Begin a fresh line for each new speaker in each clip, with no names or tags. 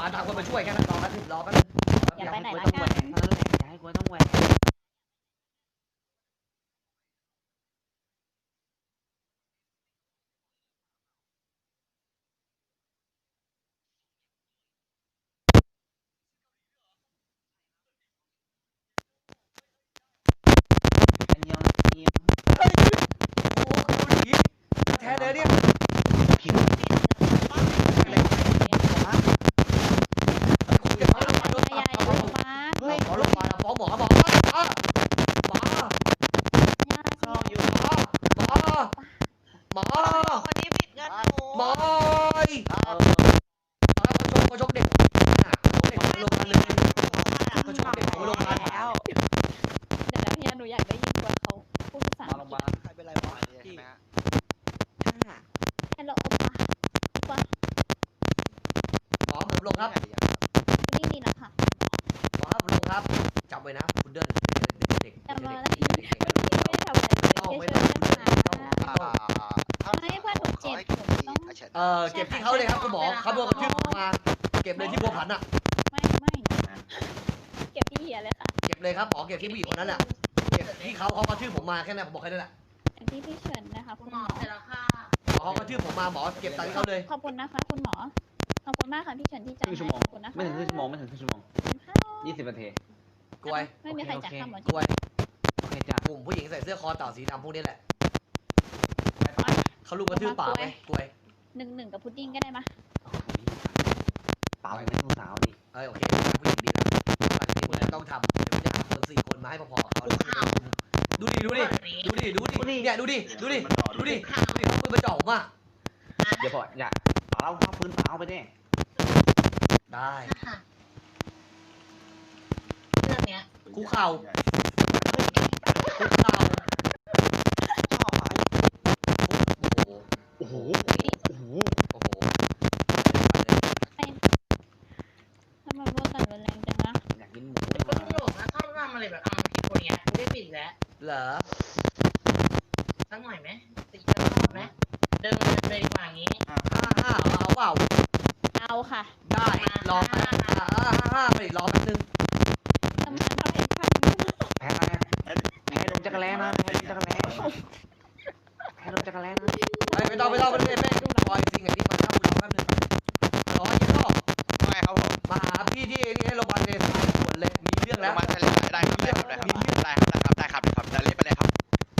มาตามคนมาช่วยแค่นั้นรอแป๊บนึงรอแป๊บนึง
อย่าไปไหนละ
ต้อง
กั
แหวน กนั่นแหละอย่าให้กูต้องแหวกอันยองทีม
เฮ้ยโอ้โหดูดิแท้เลยเนี่ย
ผิว
อะไรคุณจะมาโดน
ยายลงมา
เฮ้ยขอลงมาฟ้องหมอบอกหมอ
เข้าอยู่
หมอ
คนนี้ผิดเงินหนู
หมอเขาชกเด็กเด็กลงมาเลยเขาชกเด็กลงมาแล้ว
เดี๋ยวนะพี่หนูอยากได้ยินตัวเขาพูดภาษา
มาโรงพยาบาล
ใครเป็นไรวะ
ฮัลโหลโอปะว่า
หมอผมลงครับ
นี่นี่นะคะ
หมอครับลงครับจับไว้นะคุณเดินเด็ก
จำมาแล้วพี่ไม่ทำอะไรเลยแค่ช่วยนะคะไม่เพื่อนหนูเจ็บหนูต้อง
เก็บที่เขาเลยครับคุณหมอเขาโดนกระทืบมาเก็บเลยที่บัวผันอ่ะ
ไม่เก็บที่เหียเลยค่ะ
เก็บเลยครับหมอเก็บที่ผู้หญิงคนนั้นแหละเก็บที่เขากระทืบผมมาแค่นั้นผมบอกแค่นั้นแหละ
ที่พี่เฉินนะคะคุณหมอ
หมอเขากระทืบผมมาหมอเก็บตังค์เขาเลย
ขอบคุณนะคะคุณหมอขอบคุณมากค่ะพี่เฉินที่ใจ
ครึ่งชั่ว
ให้
โมง
ขอบคุณนะคะ
ไม่ถึงครึ่งชั่วโมงไม่ถึงครึ่งชั่วโมง20 นาที
กวย
ไม่มีใครจัดข้ามหมอก
วย
โอเคจ้ะ
กลุ่มผู้หญิงใส่เสื้อคอเต่าสีดำพวกนี้แหละเขาลุกกระทืบปากไหมกวย
1-1กับพุดดิ้งก็ได้มา
โอ้โหเปล่าไม่ต้องสาวดิ
โอเคผู้หญิงดีแล้วหลังนี้คุณจะต้องทำเดี๋ยวจะหาคน4 คนมาให้พอๆกับเขาดูดิเนี่ยดูดิเขาปืนมาจ่อผมอ่ะ
เดี๋ยวพออย่าเอาเข้าพื้นเปล่าไปดิ
ได้
เรื่องเนี้ย
คุกเข่า
ชอบอ่ะ
โอ้โห
โอ้โห
โอ้โห
ทำไมพูดกันรุนแรงจังนะ
อยากกินหมู
ก็ตลกนะชอบทำอะไรแบบเอาผิดคนเนี้ยไม่ได้ผิดแล้ว
เหรอ
สักหน่อยไหมตีกันรอบไหมเดินเลยดีกว่างี้
55เอาเปล่า
เอาค่ะ
ได้รอ55ไปรอแป๊บนึง
ทำงานเท่าเอ็นพัน
แพ้อะไรให้ลงจักรแล้นะให้ลงจักรแล้ให้ลงจักรแล้นะ
ไม่ต้องรอจริงไอ้นี่มันถ้าคุณรอแป๊บนึงรอยี่ห้อ
ไม่ครับผม
มาหาพี่ที่นี่ให้โรงพยาบาลเลยด่วนเลยมีเรื่องแล้ว
มาได้ครับได้ครับได้ครับได้เล่นไปเลยครับ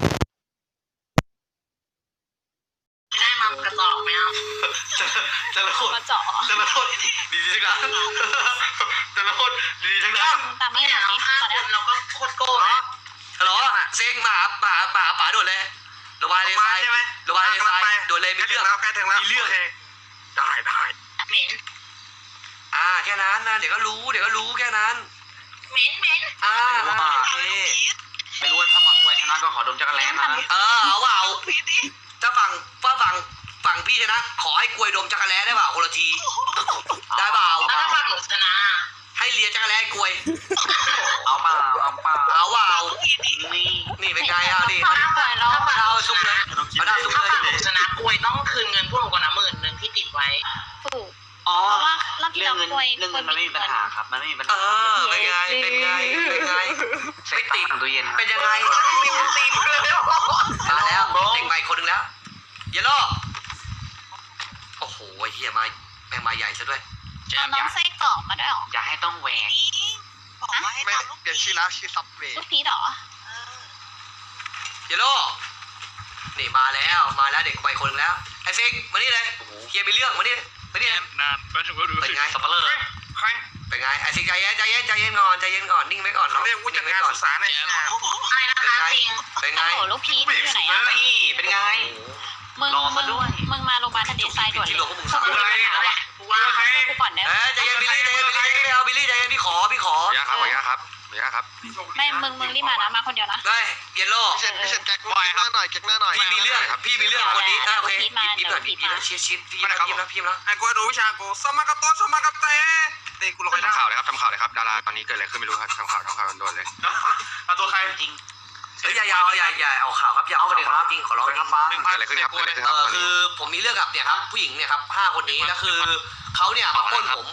ได้มากระจอกไหมอ่ะ
แต่ละคน
มาเจาะ
แต่ละคนดีทั้งนั้นแต่ละคนดีทั้งนั้น
ตามไม่
ไม่
หม
เอา
ดนี้
ห้า
ตอน
ค
นี้
นเราก็โคตรโก้นะ
ฮัลโหลเซ็งมาหาป๋าด่วนเลยโรงพยาบาลเลไซโรงพยาบาลเลไซด่วนเลยมีเรื่อง
ใกล้ถึงแล้ว
มีเรื่อง
ได้
เหม็น
แค่นั้นนะเดี๋ยวก็รู้แค่นั้น
เหม็น
โอเค
ไม่รู้ว่าถ้าฝั่งกวยชนะก็ขอดมจักรแล้นะ
เอาเปล่าถ้าฝั่งพี่ชนะขอให้กลวยดมจักรแล้ได้เปล่าคนละทีได้เปล่า
แล้วถ้าฝั่งหนูชนะ
ให้เลียจักรแล้กลวย
เอาเปล่า
เอาเปล่านี่เป็นไงเอาดิ
ถ้าฝั่งเรา
เอาซุปเลยเอาได้ซุป
ถ้า
เลย
ฝั่งหนูชนะกล้วยต้องคืนเงินพวกหนูก่อนนะ10,000ที่ติดไว้
ถูก
อ๋อ
เพราะว่ารอบที่
เรื่อ
เรา
งเงิน
ป่วย
เรื่องเงินมันไม่มีปัญหาครับมันไม่มีปัญหา
เป็นไงไม่ติด
ตู้เย็น
เป็นยังไง
มีมันตีมือแล้ว
มาแล้วเด็กใหม่คนหนึ่งแล้วเยลโล่โอ้โหเฮียมาแม่งมาใหญ่ซะด้วย
เอาน้องไส้กรอกมาด้วยหรอ
อย่าให้ต้องแหวก
บอกว่าให้
ไม่
ตามลูก
เปลี่ยนชื่อแล้วชื่อซับเวย์
ลูกพีชหรอ
เยลโล่นี่มาแล้วเด็กใหม่คนหนึ่งแล้วไอ้ฟิกมานี่เลยเฮียมีเรื่องมานี่
นานไปถึงก็ดู
เป็นไงสับปะเลอ
ใคร
เป็นไงไอ้ฟิกใจเย็นก่อนนิ่งไว้ก่อน
เขาเรียกผู้จัดการศึกษาเนี่ย
อะไรนะคะจริง
เป็นไง
โอ้ลูกพีชอยู่ไหนอ่ะ
นี่เป็นไง
มึงมาโรงพยาบาลทันทีไซด่วนเลย
ว่าให้
กูก่อนได้
ใจเย็นบิลลี่ไม่เอาบิลลี่ใจเย็นพี่ขอ
อย่าครับ
ไม่มึงรีบมานะมาคนเดียวนะ
ได้เยลโล่
พี่เชนแก๊กหน้าหน่อย
พี่มีเรื่องคนนี้โอเคยิ้มหน่อยพี่แล้วเชียร์ชิดพี่ยิ้มแล้ว
ไอ้กูดูวิชากูสมากาโตสมากาเตตีกูลงไปทำข่าวเลยครับดาราตอนนี้เกิดอะไรขึ้นไม่รู้ครับทำข่าวโดนเลยเอาตัวใครจริง
อย่าเอาข่าวครับอย่าเอาประเด็นครับจริงขอร้องจริง
เกิดอะไรขึ้นครับ
คือผมมีเรื่องกับเนี่ยครับผู้หญิงเนี่ยครับ5 คนนี้แล้วคือเขาเนี่ยมาปล้นผม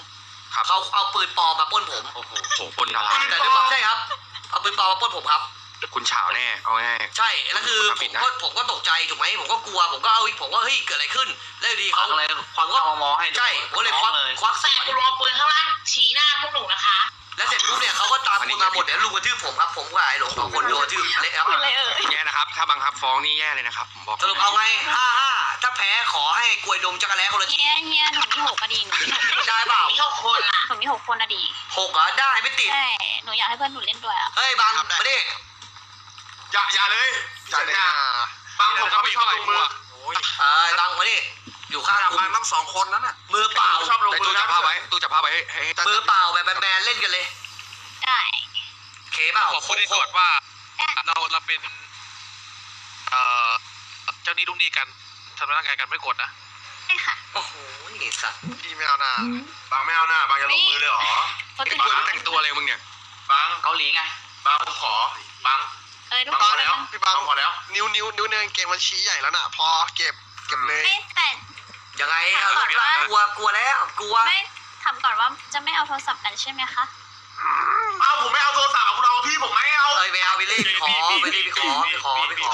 ครับ
เขาเอาปืนปลอมมาปล้นผม
โอ้โหปนดารา
แต่ด้วยความใช่ครับเอาปืนปลอมมาปล้นผมครับ
คุณเฉาแน่เอาง่าย
ใช่แล้วคือ
ทำผิดนะ
ผมก็ตกใจถูกไหมผมก็กลัวผมก็เอาผมว่าเฮ้ยเกิดอะไรขึ้นแล้วอยู่ดีเขา
เลยควักเอามอให้ดู
ใช่ผมก็เลยควักส
แต่
วน
กูรอปืนข้างล่างชี้หน้าพวกหนูนะคะ
แล้วเสร็จปุ๊บเนี่ยเขาก็ตามคนมาหมดเดี๋ยวลุงกระทืบผมครับผมกับไอ้หลงสองคนโดนกระทืบเละครับ
เป็นไรเอ่ย
แย่นะครับ ถ้าบังคับฟ้องนี่แย่เลยนะครับผมบอก
สรุปเอาไง5-5ถ้าแพ้ขอให้กล้วยดมจักรแล้คนละที
เฮียหนูมี6อะดีหนูมี6
ได้เปล่า
มี6 คนอ่ะ
หนูมี6 คนอะดี
6เหรอได้ไม่ติด
ใช่หนูอยากให้เพื่อนหนูเล่นด้วยอะ
เฮ้ยบังมาดิ
อย่าเลยสัญญาบังผมก็ไม่ชอบลงมือ
บังมาดิอยู่ข้างกู
บังต้อง2 คนนั้นน่ะ
มือเปล่า
ชอบลงมือตู้จับผ้าไว้ให้
มือเปล่าแบบแบนๆเล่นกันเลย
ได้
เคเปล่า
ขอพูดให้ก่อนว่าเราเป็นเจ้าหนี้ลูกหนี้กันทำร้ายร่างกายกันไม่กดนะ
ใช่ค่ะ
โอ้โหสัตว์
พี่ไม่เอาหน้าบังไม่เอาหน้าบังจะลงมือเลยเหรอ
เขา
ไอ้
ตื่น
บังแต่งตัวอะไรมึงเนี่ยบัง
เกาหลีไง
บังขอบัง
ทุกคนเลย
พี่บังพอแล้วนิ้วเนินเกมมันชี้ใหญ่แล้วน่ะพอเก็บเลย
ไม่แต่
ยังไงกลัวแล้วกลัว
ไม่ถามก่อนว่าจะไม่เอาโทรศัพท์นั้นใช่ไหมคะ
เอาผมไม่เอาโทรศัพท์คุณเอาพี่ผมไม่เอา
เอ้ยไปเอาไปเล่นขอเป็นไง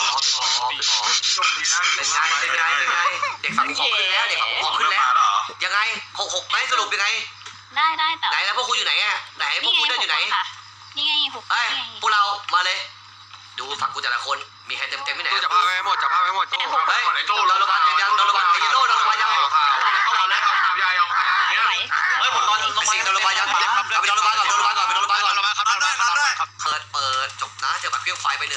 เด็กฝั่งขอขึ้นแล้วเด็กฝั่งขอขึ้นแล้วยังไง6-6ไหมสรุปยังไง
ได้แต่
ไหนแล้วพวกคุณอยู่ไหนอ่ะไหนพวกคุณเดินอยู่ไหน
นี่ไง6
เอ้ยพวกเรามาเลย ดูฝั่งกูแต่ละคนมีใครเต็มที่ไหนจับผ้าไว้หมดเฮ้ยเราระบายยังเราระบายยังเราระบายยัง
เฮ้ยผมนอนลง
สิ่งเราระบายยังเอาไปเราระบายก่อนไปเราระบายก่อนเปิดจบนะเจอบัตรเพี้ยงไฟไป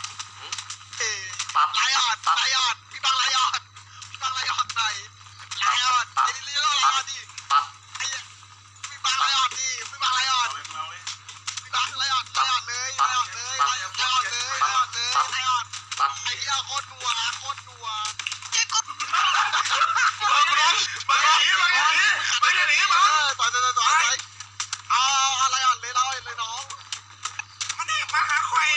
1ปั๊บ
ลายอดพี่บังลายอดหน่อยลายอดไอ้เรื่องลายอดดิ
ปั๊บ
พี่บังลายอดดิพี่บังลายอดพี่บังลายอดเลยไอ้เหี้ยโคตรนัวเจ๊กุ๊บบังหนีต่อยเอาอะไรอดเลยเล่าเลยน้องมันนี่มาหาใคร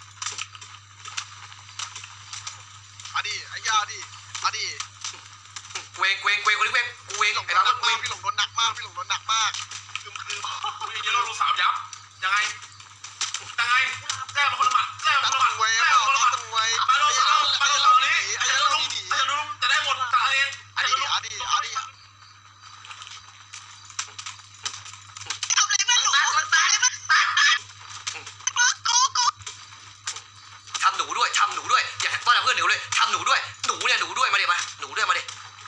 อดีไอ้ยาดิ
เวงคนนี้เวงกูเวงไอ้บ้ากูเวง
พี่หลงโดนหนักมากคือจะโดนลูกสาวยับยังไงแก้มาคนละหมัดแก้มาคนละหมัดมาโดนนี้ไอ้จะลุ้มจะได้หมดตาเองไอ้จะลุ้ม
ทำหนูด้วยอย่าว่าแต่เพื่อนหนูเลยทำหนูด้วยมาดิหนูด้วยมาดิ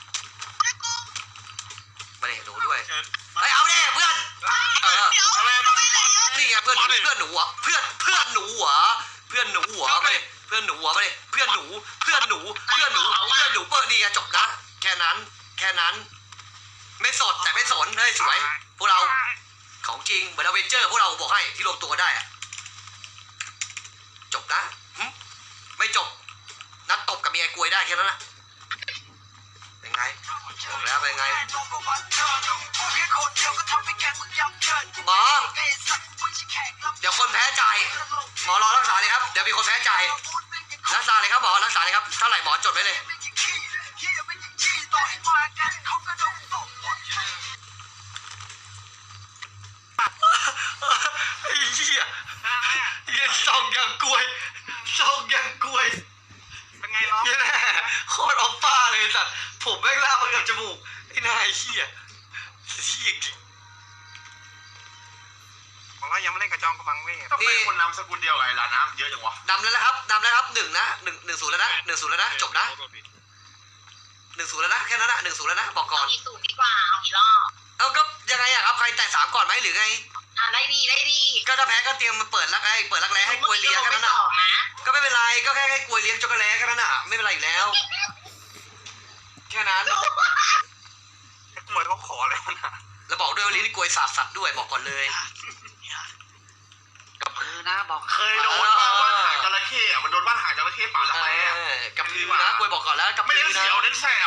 หนูด้วยไอ้เอาดิเพื่อนนี่ไงเพื่อนหนูอ่ะเพื่อนหนูมาดิเพื่อนหนูเปิดนี่ไงจบนะแค่นั้นไม่สดแต่ไม่สนเฮ้ยสวยพวกเราของจริงเหมือนอเวนเจอร์พวกเราบอกให้ที่รวมตัวได้อะจบนะไม่จบนัดตบกับเมียกวยได้แค่นั้นนะเป็นไงบอกแล้วเป็นไงหมอเดี๋ยวคนแพ้จ่ายหมอรอรักษาเลยครับเดี๋ยวมีคนแพ้จ่ายรักษาเลยครับหมอรักษาเลยครับเท่าไหร่หมอจดไว้เลยไอ้เหี้ยส่องอย่างกล้วย
เป็นไงน้อง
เนี่ยแน่โคตรออปป้าเลยสัตว์ผมแม่งลากมากับจมูกไอ้นายเหี้ยจริง
บอกว่ายังไม่เล่นกับจองกำลังเว้ยต้องเป็นคนนำสกุลเดียวกับไอ้ลาน้ำเยอะจังวะ
นำแล้วนะครับ1 นะ1-0แล้วนะ1-0แล้วนะจบนะ1-0แล้วนะแค่นั้นนะ1-0แล้วนะบอกก่อน
เอากี่สูตรดีกว่าเอากี่รอบ
เอาก็ยังไงอะครับใครแต่3ก่อนไหมหรือไง
ได้ดี
ก็ถ้าแพ้ก็เตรียมมาเปิดรักแร้ให้กวยเลี้ยงแค่นั้นน่ะก็ไม่เป็นไรก็แค่ให้กวยเลี้ยงช็อกโกแลตแค่นั้นน่ะไม่เป็นไรอีกแล้วแค่นั้น
เหมือนเขาขออะไรวะนะ
แล้วบอกด้วยว่าลิ้นกวยสาบสัตว์ด้วยบอกก่อนเลย
กับพือนะบอก
เคยโดนบ้านหางจระเข้อะมันโดนบ้านหางจระเข้ป่าแล้วไงอะ
กับพือนะกวยบอกก่อนแล้วกับ
ไม่
พื
ได้
อนะ
เสียวเน้นแสบ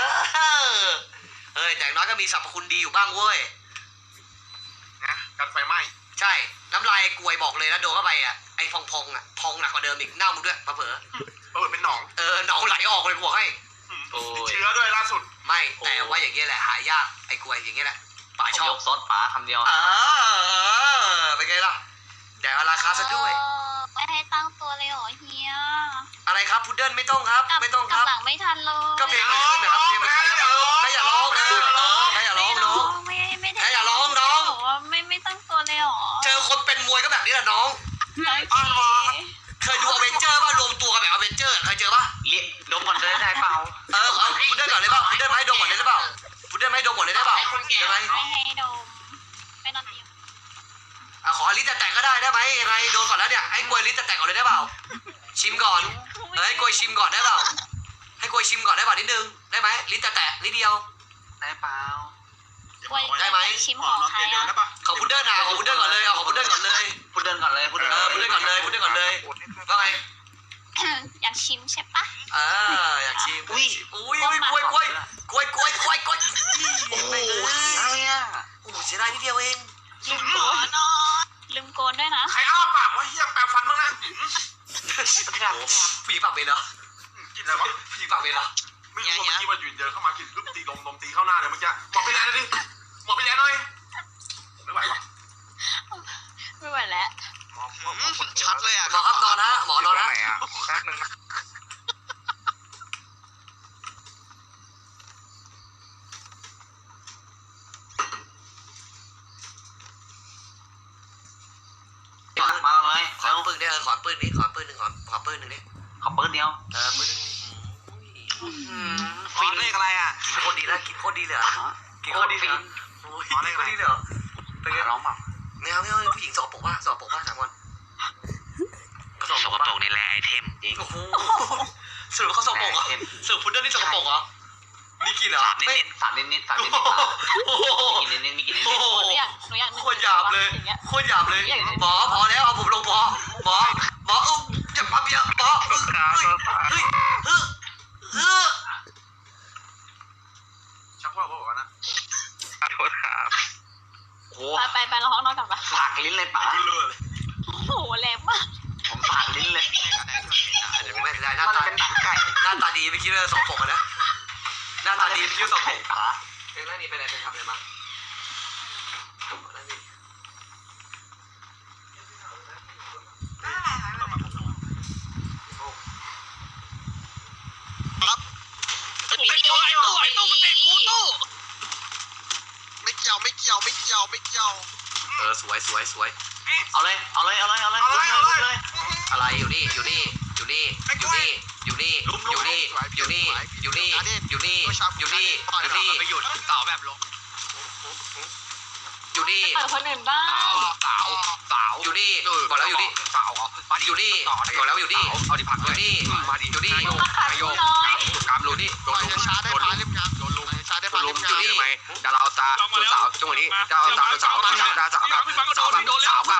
แต่อย่างน้อยก็มีสรรพคุณดีอยู่บ้างเว้ย
นะกันไฟไหม้
ใช่น้ำลายกวยบอกเลยนะโดนเข้าไปอ่ะไอ้พองอ่ะพองหนักกว่าเดิมอีกเน่ามึงด้วยมาเผลอ
เป็นหนอง
หนองไหลออกเลยบอกให้
ติดเชื้อด้วยล่าสุด
ไม่แต่ว่าอย่างเงี้ยแหละหายากไอ้กวยอย่างเงี้ยแหละป่าชชอบ
ยกซดป๋าคำเดียว
เป็นไงล่ะแดกราคาซะด้วย
ไม่ให้ตั้งตัวเลยเหรอเฮีย
อะไรครับพุดเดิ้ลไม่ต้องครับ
กลับ
ไม่ต้องค
กลั
รั
บบ หลังไม่ทันเลย
ก็เพลงมันขึ้นนะครับเพลงมันขึ้นใครอย่าร้องใครอย่าร้องน้อง
ไม่ได้
เฮ้ยอย่าร้องน้อง
บอกว่าไม่ตั้งตัวเลยเหรอ
เจอคนเป็นมวยก็แบบนี้แหละน้อง เคยดูอเวนเจอร์ป่ะรวมตัวกันแบบอเวนเจอร์เคยเจอป่ะ
เลี้ยดมก่อนเลยได้เปล่า
เอาพุดเดิ้ลก่อนเลยเปล่าพุดเดิ้ลมาให้ดมก่อนเลยได้เปล่าพุดเดิ้ลมาให้ดมก่อนเลยได้เปล่ายังไง
ไม่ให้ดมไม่นอนเตียง
ขอลิ้นแตกก็ได้ไหมยังไงโดนก่อนแล้วเนี่ยให้กล้วยลิ้นแตกก่อนเลยได้เปล่าชิมก่อนให้กล้วยชิมก่อนได้เปล่าให้กล้วยชิมก่อนได้เปล่านิดนึงได้ไหมลิ้นแตกนิดเดียว
ได้เปล่า
ได้ไหม
ชิมของใครอ่ะ
ขอพุดเดิ้ลนะขอพุดเดิ้ลก่อนเลยเอาขอพุดเดิ้ลก่อนเลย
พูดเดินก่อนเลยพูดเดิน
พุดเดิ้ลก่อนเลยพุดเดิ้ลก่อนเลยว่าไง
อยากชิมใช่ปะ
อยากชิมอุ้ยกล้วยโอ้โหเสียเลยอ่ะโอ้โหเสียดายนิดเดียวเอง
ลืมโกนด้วยนะ
ใครอ้าปากว่าเฮียแปลงฟันบ้างนะ
ผีปากเป็นเหรอ
กินอะไรวะ
ผีปากเป็นเหรอ
ไม่รู้ว่าเมื่อกี้มันหยุดเดินเข้ามากินปุ๊บตีลมตีเข้าหน้าเลยเมื่อกี้หมดไปแล้วดิหมดไปแล้วหน่อยไม่ไหววะ
ไม่ไหวแล้ว
ชัดเลยอ่ะ
หมอครับนอนฮะหมอนอนฮะ
แป๊บนึงนะ
มาเลย
ขอปืนดิขอปืนนี้ขอปืนหนึ่งขอปืนหนึ่งดิ
ขอปืนเดียว
ปืนหนึ่ง
ฟินเลขอะไรอ่ะ
กินโคตรดีแล้วกินโคตรดีเลยกินโคตรดีเลยโอ้ยกินโคตรดีเลยเป็นไง
ร้องเปล่า
ไม่เอาผู้หญิงสกปรกว่าสกปรกว่าถามก่อนเขาสก
ส
ป
ก
รก
ปรกนี่แหละไอเทมจริง
โอ้โหสรุปเขาสกปรกเหรอสรุปพุดเดิ้ลนี่สกปรกเหรอมีกลิ่นเหรอ
สามนิดสามนิดสามนิด
โอ้โห
กินนิดมีกินนิด
โอ้โห
หนูอยาก
โคตรหยาบเลย
อย่างเงี้ย
โคตรหยาบเลยหมอพอแล้วเอาผมลงหมออย่าปั๊มเยอะหมอเฮ้ย
ชักว่าบอกว่านะ
ขอโทษครับ
โอ้
ไปเราห้องนอนก่อนปะ
ฝากลิ้นเลยป๋า
เลือดเลย
โอ้โหแรงมาก
ผมฝากลิ้นเลย
โอ้ไม่ได้หน้า
มัน
ตา
เป็นหนังไก่
หน้าตาดีไม่คิดว่าสกปรกนะหน้าตาดีไม่คิดว่าสกปรก
ป๋า
เป็นไรนี่เป็นอะไรเป็นทำอะไรมา
ไม่เกี่ยว
สวย
เอาเลย
อะไรอยู่นี่อยู่นี่อยู่นี่อยู่นี่อยู่นี่อยู่นี่อยู่นี่อยู่นี่อยู่นี่อยู่นี่อยู่นี่
ไปหยุดต่อแบบลง
อยู่นี่
เปิดคนอื่นบ้าง
สาว
อยู่นี่บอกแล้วอยู่นี่
สาวมาดิ
อยู่นี่
ต่อ
บอกแล้วอยู่นี่
เอาดิผัก
อยู่นี่
มาดิ
อยู่นี่
โยกกามลุนี่โดนลุมโดนลุมโดนลุมอยู่นี่ไหมดาราสาวสาวจังหวะนี้ดาราสาวดาราสาวกับสาวกับดาราสาว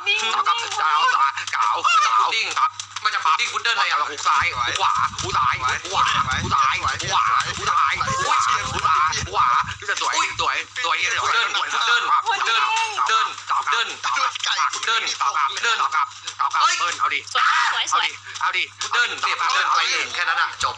ดิ้งครับมันจะดิ้งพุดเดิ้ลอะไรอ่ะหูซ้ายขวาหูซ้ายขวาหูซ้ายขวาหูซ้ายหูซ้ายขวาจะสวยพุดเดิ้ลเอาดิ
สวย
เอาดิ
พุดเดิ้ลเสียพุดเดิ้ลไปแค่นั้นอ่ะจบ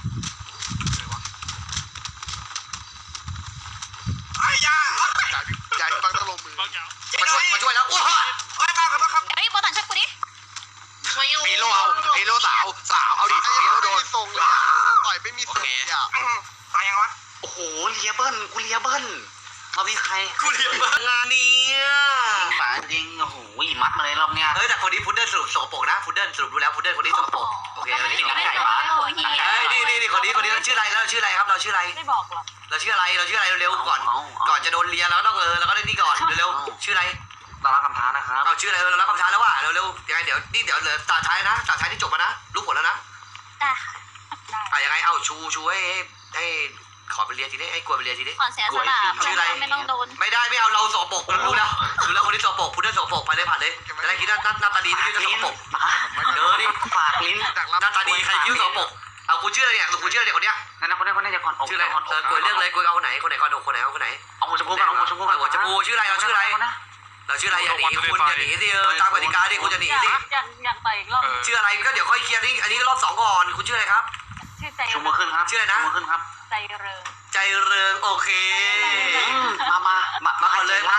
ไอ้ยาใหญ่บังตะลงมือ
มาช่วยแล้วโอ้โห
ไอ้บ้าครับครับ
เฮ้ยโบตันช่วยกูดิ
ฮีโร่สาวเอาดิฮีโร่โดน
ทรงเลยต่อยไม่มีทรงอ่ะตายยังวะ
โอ้โหเลียเบิ้ลกูเลียเบิ้ลรอบนี้ใคร
กูเรียนมางานนี้
ป๋าจริงโอ้โหมัดมาเลยรอบเนี้ย
เฮ้ยแต่คนนี้พุดเดิ้ลสรุปสกปรกนะพุดเดิ้ลสรุปดูแล้วพุดเดิ้ลคนนี้สกปรกโอเคคนนี้
ไม่ได้บอกเฮีย
เฮ้ยนี่คนนี้เราชื่ออะไรครับเราชื่ออะไร
ไม่บอกหรอก
เราชื่ออะไรเร็วๆก่อนจะโดนเลียแล้วต้องเราก็ได้นี่ก่อนเร็วๆชื่ออะไร
ดาราคำท้านะครับ
เอาชื่ออะไรเรารับคำท้าแล้วว่ะเร็วๆยังไงเดี๋ยวเหลือตาท้ายนะตาท้ายที่จบมานะรู้ผลแล้วนะ
ได้
ยังไงเอาชูให้ขอไปเลียทีนี้ให้กลัวไปเลียทีนี้
ขอเสียสละไม่ต้องโดน
ไม่ได้ไม่เอาเราสกปรกรู้แล้วคนที่สกปรกพุดเดิ้ลสกปรกไปเลยผ่านเลยจะได้คิดหน้าตาดีที่จะสกปรก เดี๋ยวนี่
ฝากลิ้น
หน้าตาดีใครยิ้วสกปรกเอากูเชื่อเนี่ยกูเชื่อเนี่ยคนเนี้ย
นั่นนะคนนี้จะก่อนอก
ชื่ออะไรกลัวเรื่องเลยกลัวเอาคนไหนก่อนคนไหน
เอาหัวชมพูกันเอาหัวชมพูกัน
หัวชมพูชื่ออะไรเราชื่ออะไรอย่าหนีคุณอย่าหนีสิตามกติกาดิคุณจะหนีสิ
อยากต่อยอีกรอบ
ชื่ออะไรก็เดี๋ยวค่อยเคลียร์นี่อันนี้รอบ2ก่อนคุณชื่ออะไรครับ
ชื่อใจ
ชมพูขึ้นครับชมพูขึ้นครับ
ใจเริง
ใจเริงโอเค
มาก่อนเลยมา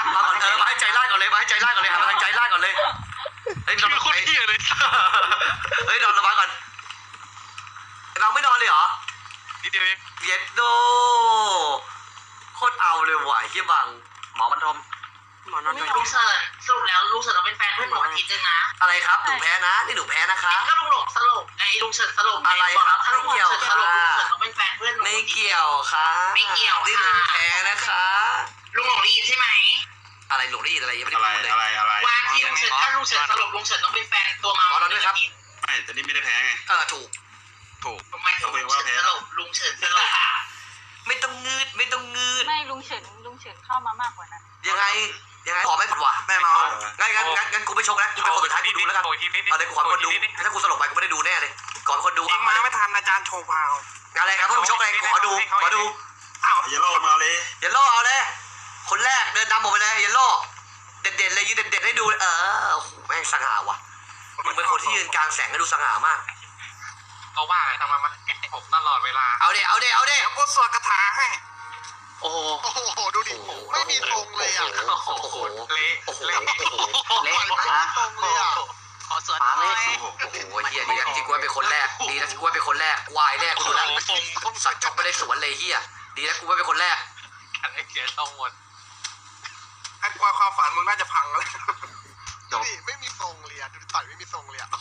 เฮ้ยนอนระวังก่อนไอ้บังไม่นอนเลยเหรอ
นิดเดียวเอง
เย็ดโดโคตรเอาเลยว่ะไอ้เฮียบังหมอบรรทมหมอนอนหน่อย
ลุงเฉินสรุปแล้วลุงเฉินต้องเป็นแฟนเพื่อนหนูอาทิตย์นึงนะ
อะไรครับหนูแพ้นะนี่หนูแพ้นะคะ
ก็ลุงหลงสลบไอ้ลุงเฉินสลบ
อะไรครับ
ถ้าลุงเฉินสลบลุงเฉินต้องเป็นแฟนเพื่อนหนู
ไม่เกี่ยวค่ะ
ไม่เกี่ยวค่ะ
นี่หนูแพ้นะคะ
ลุงหลงได้ยินใช่ไหม
อะไรหนูได้ยินอะไรยังไม่ได้
อะไร
พูดเลย
อะไร
วันที่ลุงเฉินถ้าลุงเฉินสลบลุงเฉินต้องเป็นแฟนตัวมา
ขอเราด้วยครับ
ไม่แต่นี่ไม่ได้แพ้ไง
ถูก
ทำไมลุงเฉินสลบลุงเฉินสลบ
ไม่ต้องงืดไม่ต้องงืด
ไม่ลุงเฉินเข้ามามากกว่านั้น
ยังไงขอไม่ผัดว่ะแม่มางั้นกูไม่ชกแล้วกูเป็นคนสุดท้ายกูดูแล้วกันเอาเลยกูขอเป็นคนดูถ้ากูสลบไปกูไม่ได้ดูแน่เลยก่อนเป็นคนดู
ยิงมาไม่ทันอาจารย์โชว์พาว
อะไรครับผู้ชกอะไรขอดู
เยลโล่มาเลย
เยลโล่เอาเลยคนแรกเดินนำผมไปเลยเยลโล่เด็ดๆเลยยืนเด็ดๆให้ดูโอ้โหแม่งสง่าว่ะมึงเป็นคนที่ยืนกลางแสงให้ดูสง่ามาก
เขาว่าทำไมมาผมตลอดเวลา
เอาดิ
กูสวดคาถาให้
โอ้โห
โอ้โหดูดิไม่มีทรงเลยอ่ะ
โอ้โห
เละ
โอ้โห
เละ
เละ
ไม่มีทรงเลยอ่ะ
ขอสวด
มา
ห
เล
น่อย
ยโอ้โหเฮียดีนะที่กูเป็นคนแรกดีนะที่กูเป็นคนแรกวายแน่กูดูแล้วสัตว์ชกไปได้สวนเลยเฮียดีนะกูเป็นคนแรก
กันให้เกียรติต้องหมดไอ้ความฝันมึงน่าจะพังแล้ว
ดูดิไม่มีทรงเลยอ่ะดูต่อยไม่มีทรงเลยอ่ะ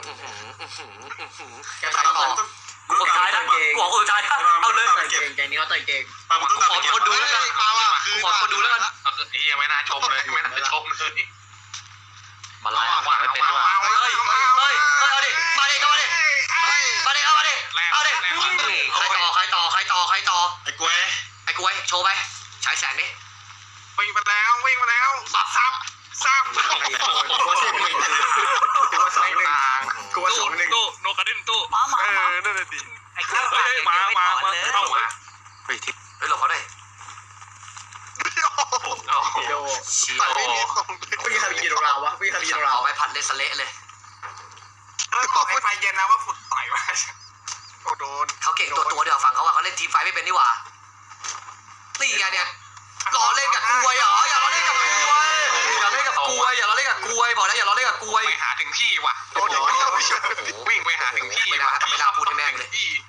แกตัดต่อกูคนสุดท้ายนะกูขอคนสุดท้ายนะเอาเลย
เก่ง
เก่งนี้เขาต่อยเก่ง
ปามันต้องตัด
ขอ
เก็บ
คนดูแล้วกัน
มาว่ะ
กูขอคนดูแล้วกัน
ก็คือไอ้ยังไม่น่าชมเลยไม่น่าชมเลย
มาไล่ว่าไม่เป็นด้วยเฮ้ยเอาดิมาดิเอาดิมาดิเอาดิเอาดิใครต่อ
ไอ้กล้วย
ไอ้กูไว้โชว์ไปฉายแสงดิ
วิ่งมาแล้วบับซับตู้โนกระดิ่งตู้
หมา
นั่นแหละดิไอ้เฮ้ยมาเข้ามาเฮ้ยทิพย์
เฮ้ยหลบเขาหน่อย
ต่อยไม่มีทรงเลย
พี่ทำกิโลกรัมวะพี่ทำกิโลกรัม
เอาไปผัดเลสเละเลย
แล้วบอกให้ไฟเย็นนะว่าฝุ่นต่อยมา
โอ้โดน
เขาเก่งตัวเดียวฟังเขาว่าเขาเล่นทีมไฟไม่เป็นนี่หว่านี่ไงเนี่ยหล่อเล่นกับกวยเหรออย่าล้อเล่นกับกวยอย่าเล่นกับกวยอย่าล้อเล่นกับกวยบอกแล้วอย่าล้อเล่นกับกวย
ไปหาถึงที่ว่ะ
โดนอย่างนี้ไม่ใช่
วิ่งไปหาถึงที่
ไม่น่าพูดให้แม่งเลย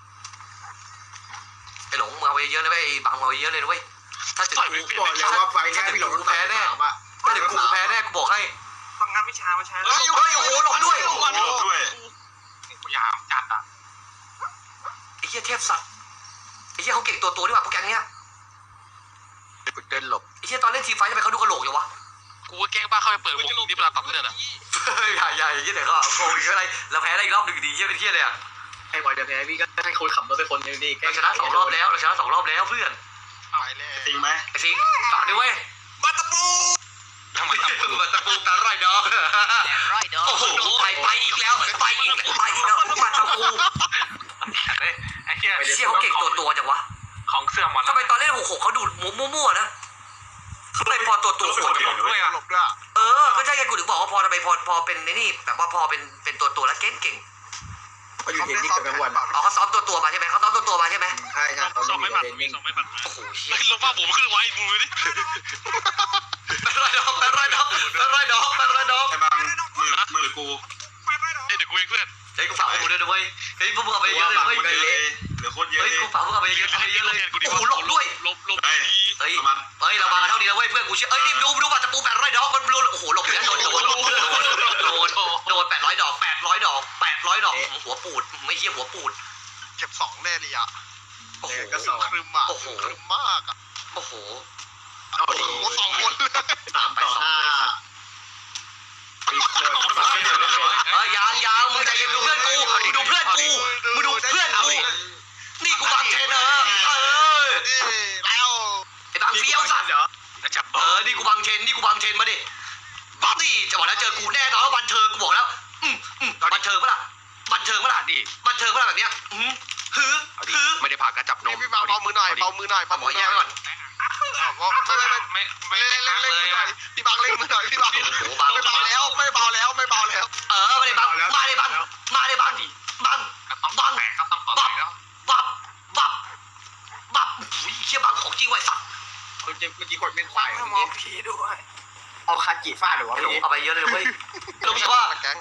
ไอ้หลงมึงเอาไปเยอะเลยไอ้บังเอาไปเยอะเลยเว้ยถ้าถึงกู
บอกเลยว่าไฟแค่พี่หลงแพ้แน่
ถ้าถึงกูแพ้แน่กูบอกให้
ฟังงานวิชามาใช้
เฮ้ยโอ้โหหลบด้วย
หลบด้วย
กูยามจัดอ่ะ
ไอ้เหี้ยเทพสัตว์ไอ้เหี้ยเขาเก่งตัวดีกว่าพวกแกเนี้ย
เดินหลบ
ไอ้เหี้ยตอนเล่นทีมไฟทำไมเขาดูกระโหลกอย่างวะ
กูแกล้งบ้าเข้าไปเปิดวงนี่เวลาตัดเลือดอ่ะ
อย่าอย่างนี้เดี๋ยวเขาโกงอีกอะไรเราแพ้ได้อีกรอบหนึ่งดีเหี้ยเป็นเหี้ยเลยอ่ะ
ให้บอยจะแพ้พี่ก็ให้คนขับรถไปคนนึงดิ
เราชนะ2 รอบแล้วเราชนะ2 รอบแล้วเพื่อน
ไปแล้ว
จริงไหม
ไอ้สิงฝากด้วยเว้ย
บัตตะปู
ทำไมตะปูตะปูตะไรดอกโอ้โหไปอีกแล้วไปอีกแล้วมาตะปู
ไอ้เหี้ย
เชี่ยเขาเก่งตัวจังวะ
ของเสื่อมมัน
ทำไมตอนเล่น6-6เขาดูมั่วๆนะทำไมพอตัวโหด
ด้วยอ่ะ
หลบด้วย
ก็ใช่ไงกูถึงบอกว่าพอทำไมพอเป็นนี่แบบว่าพอเป็นตัวแล้วเก่ง
เขาอยู่เทนนิสกับกลางวัน
เขาซ้อมตัวมาใช่ไหมเขาซ้อมตัวมาใช่ไหม
ใช่ครับเขา
ส่ง
ไม่
ไม่
มี
ผัด
เทนนิส
ส่งไม่ผัด
โอ้โหเชี่ย
ลงมาผมขึ้นไว้มึงเลยดิ
เป็นไรดอกไอ้บาง
มือกู เดี๋ยวกูเองเพื่อน
เฮ้ยกูฝากกูด้วยนะเว้ยเฮ้ยพวกมึงเอาไปเยอะเลยเว้ย
เหลือคนเยอะ
เฮ้ย
เลย
กูฝากพวกมึงเอาไปเยอะเลยโอ้โหหลบด้วย
ลบ
เฮ้ยเรามากันเท่านี้แล้วเว้ยเพื่อนกูเชื่อเอ้ยนี่ดูบัตรตะปู800 ดอกมันโอ้โหหลบแล้วโดน800 ดอกหัวปูดไม่เหี้ยหัวปูด
เก็บ2แน่เลยอ่ะ
โอ้โห
ก็สอง
ครึมอ่ะครึมมากอ่ะ
โอ้โห
โอ้โห2 คนเลย
3-2ยางมึงใจเย็นดูเพื่อนกูดูเพื่อนกูนี่กูบางเทน
น
เออี่
แล้ว
ไอ้บางเฟี้ยวสัตว์นี่กูบางเทนมาดินี่จะบอกแล้วเจอกูแน่นอนว่าบันเทิงกูบอกแล้วบันเทิงปะล่ะดิบันเทิงปะล่ะแบบเนี้ย
ไม่ได้ผ่ากระจับนม
พี่เบามือหน่อย
หมอแย่ก่อน
ไม่เล่นมือหน่อยพี่บังเล่นมือหน่อยพี่บังไม่เบาแล้วไม่เบาแล้ว
มาดิบังบับเชี่ยบังของจริงไว้สัตว์
เมื่อกี้คนเป็นควายมองพีด้วยเอาคาจิฟาดหรือวะ
เอาไปเยอะเลยเว้ยรู้ไหมว่า